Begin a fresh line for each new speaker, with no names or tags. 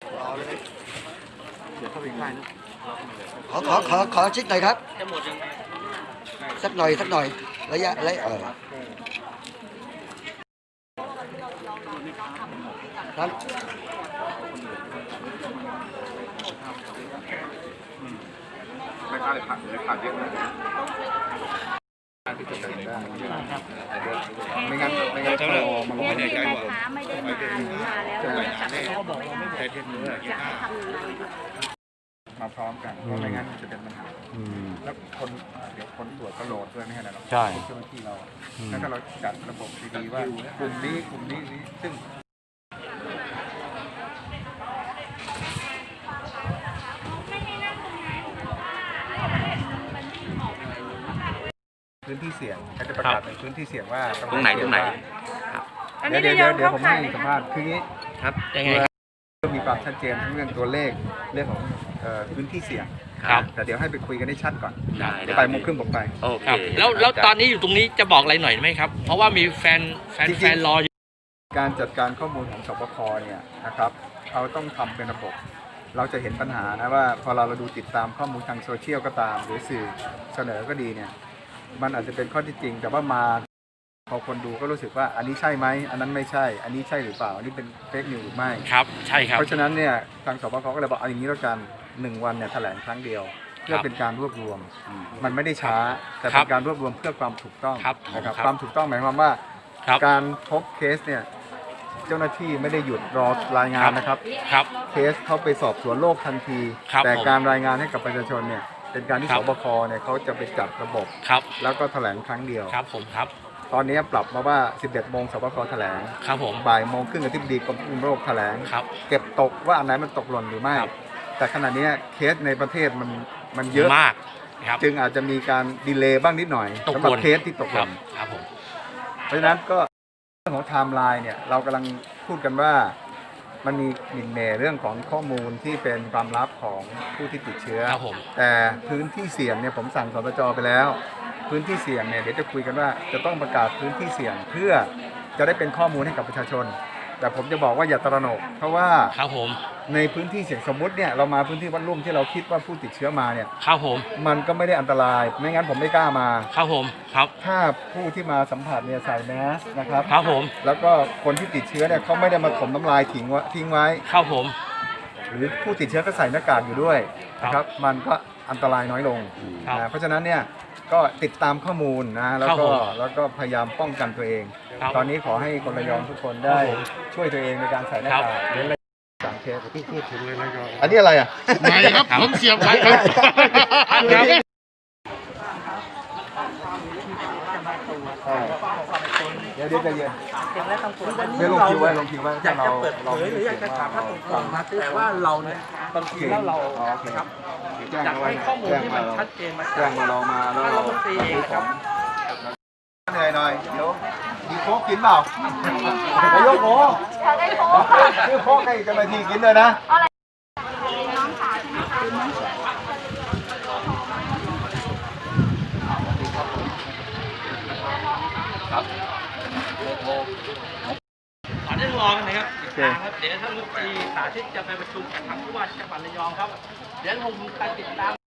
เดี๋ยวเข้าไปค่ายนะ
ขอชิดหน่อยครับสักหน่อยระยะครับ
ไม่ค่าเลยขาดเยอะเลยที่จะได้ไม่งั้นก็มันไม่ได้ใจหรอก
ไม่ได้มาแล้วกลับไปแล้วบอกว่าไม่ได้จะให้ทำยังไง
มาพร้อมกันเพราะไม่งั้นจะเป็นปัญหาแล้วเดี๋ยวคนตรวจก็โหลดด้วยไม่ใช่หรอกใช่เจ้าหน้าที่เราแล้วถ้าเราจัดระบบดีๆว่ากลุ่มนี้ซึ่งพื้นที่เสี่ยงเขาจะประกาศเป็นพื้นที่เสี่ยงว่าตรงไหนเดี๋ยวผมให้สัมภาษณ์คืองี้ครับยังไงมีความชัดเจนทั้งเรื่องตัวเลขเรื่องของพื้นที่เสี่ยงแต่เดี๋ยวให้ไปคุยกันให้ชัดก่อนไปโมงครึ่งผมไป
โอเคแล้วตอนนี้อยู่ตรงนี้จะบอกอะไรหน่อยไหมครับเพราะว่ามีแฟนรออยู่
การจัดการข้อมูลของสปค.เนี่ยนะครับเขาต้องทำเป็นระบบเราจะเห็นปัญหานะว่าพอเราดูติดตามข้อมูลทางโซเชียลก็ตามหรือสื่อเสนอก็ดีเนี่ยมันอาจจะเป็นข้อที่จริงแต่ว่ามาพอคนดูก็รู้สึกว่าอันนี้ใช่ไหมอันนั้นไม่ใช่อันนี้ใช่หรือเปล่าอันนี้เป็นเฟกนิวหรือไม่
ครับใช่ครับ
เพราะฉะนั้นเนี่ยทางสปค.ก็เลยบอกเอาอย่างนี้แล้วกัน1 วันเนี่ยแถลงครั้งเดียวเพื่อเป็นการรวบรวมมันไม่ได้ช้าแต่เป็นการรวบรวมเพื่อความถูกต้องนะครับความถูกต้องหมายความว่าการพบเคสเนี่ยเจ้าหน้าที่ไม่ได้หยุดรอรายงานนะครับเคสเขาไปสอบสวนโรคทันทีแต่การรายงานให้กับประชาชนเนี่ยเป็นการที่สบคเนี่ยเขาจะไปจัดระบบแล้วก็แถลงครั้งเดียว
ครับผมครับ
ตอนนี้ปรับมาว่า 11 โมงสบคแถลง
ครับผม
บ่ายโมงครึ่งอธิบดีกรมควบคุมโรคแถลงเก็บตกว่าอันไหนมันตกหล่นหรือไม่แต่ขณะนี้เคสในประเทศมันเยอะ
มาก
จึงอาจจะมีการดีเลย์บ้างนิดหน่อยสำหรับเคสที่ตกหล่น
ครับผม
เพราะฉะนั้นก็เรื่องของไทม์ไลน์เนี่ยเรากำลังพูดกันว่ามันมีหมิ่นเหม่เรื่องของข้อมูลที่เป็นความลับของผู้ที่ติดเชื้อแต่พื้นที่เสี่ยงเนี่ยผมสั่งสตจ.ไปแล้วพื้นที่เสี่ยงเนี่ยเดี๋ยวจะคุยกันว่าจะต้องประกาศพื้นที่เสี่ยงเพื่อจะได้เป็นข้อมูลให้กับประชาชนแต่ผมจะบอกว่าอย่าตระหนกเพราะว่าในพื้นที่เสี่ยงสมมติเนี่ยเรามาพื้นที่วัดลุ่มที่เราคิดว่าผู้ติดเชื้อมาเนี่ยมันก็ไม่ได้อันตรายไม่งั้นผมไม่กล้ามาถ้าผู้ที่มาสัมผัสเนี่ยใส่แมสนะครับแล้วก็คนที่ติดเชื้อเนี่ยเขาไม่ได้มาถมน้ำลายทิ้งไว้หรือผู้ติดเชื้อก็ใส่หน้ากากอยู่ด้วยนะครับมันก็อันตรายน้อยลงนะเพราะฉะนั้นเนี่ยก็ติดตามข้อมูลนะแล้วก็พยายามป้องกันตัวเองตอนนี้ขอให้คนระยองทุกคนได้ช่วยตัวเองในการใส่หน้ากากหรือ3 เคสพูดถึงเลยนะอันนี้อะไรอ่ะ
ไม่ครับผมเสียบไว้ครับ
เดี๋ยวใจเย็นเดี๋ยวลงคิวไว้
อยากจะเปิดเผยหรืออยากจะถามท่านตรงๆนะแต่ว่าเราเนี่ยบางทีแล้วเราครับอยากให้ข้อมูลที่มันชัดเจนมา
แจ้งมาเรามาแล้วเรา
ตีเองครับ
เหนื่อยหน่อยเดี๋ยวมีโค้กกินเปล่านายกโค้กชื่อโค้กให้เจ้าหน้าที่กินเลยนะน้องสาวใช่ไหมคะ
ครับขอได้รอกันนะครับเดี๋ยวท่านรัฐมนตรีสาธิตจะไปประชุมกับทางผู้ว่าจังหวัดระยองครับเดี๋ยวผมจะติดตาม